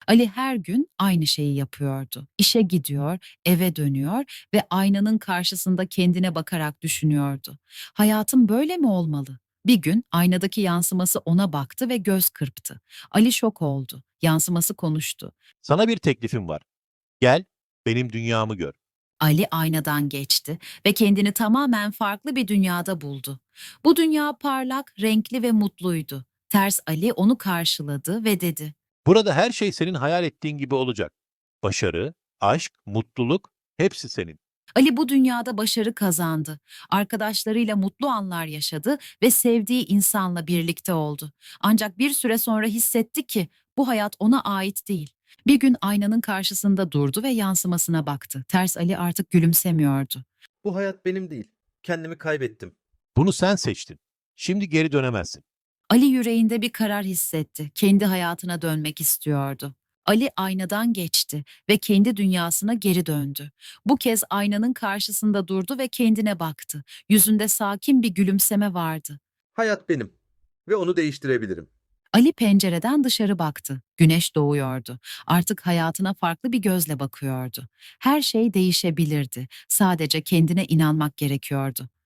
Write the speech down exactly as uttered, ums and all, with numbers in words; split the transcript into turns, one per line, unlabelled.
Ali her gün aynı şeyi yapıyordu. İşe gidiyor, eve dönüyor ve aynanın karşısında kendine bakarak düşünüyordu. Hayatım böyle mi olmalı? Bir gün aynadaki yansıması ona baktı ve göz kırptı. Ali şok oldu. Yansıması konuştu.
Sana bir teklifim var. Gel, benim dünyamı gör.
Ali aynadan geçti ve kendini tamamen farklı bir dünyada buldu. Bu dünya parlak, renkli ve mutluydu. Ters Ali onu karşıladı ve dedi:
Burada her şey senin hayal ettiğin gibi olacak. Başarı, aşk, mutluluk hepsi senin.
Ali bu dünyada başarı kazandı. Arkadaşlarıyla mutlu anlar yaşadı ve sevdiği insanla birlikte oldu. Ancak bir süre sonra hissetti ki bu hayat ona ait değil. Bir gün aynanın karşısında durdu ve yansımasına baktı. Ters Ali artık gülümsemiyordu.
Bu hayat benim değil. Kendimi kaybettim.
Bunu sen seçtin. Şimdi geri dönemezsin.
Ali yüreğinde bir karar hissetti. Kendi hayatına dönmek istiyordu. Ali aynadan geçti ve kendi dünyasına geri döndü. Bu kez aynanın karşısında durdu ve kendine baktı. Yüzünde sakin bir gülümseme vardı.
Hayat benim ve onu değiştirebilirim.
Ali pencereden dışarı baktı. Güneş doğuyordu. Artık hayatına farklı bir gözle bakıyordu. Her şey değişebilirdi. Sadece kendine inanmak gerekiyordu.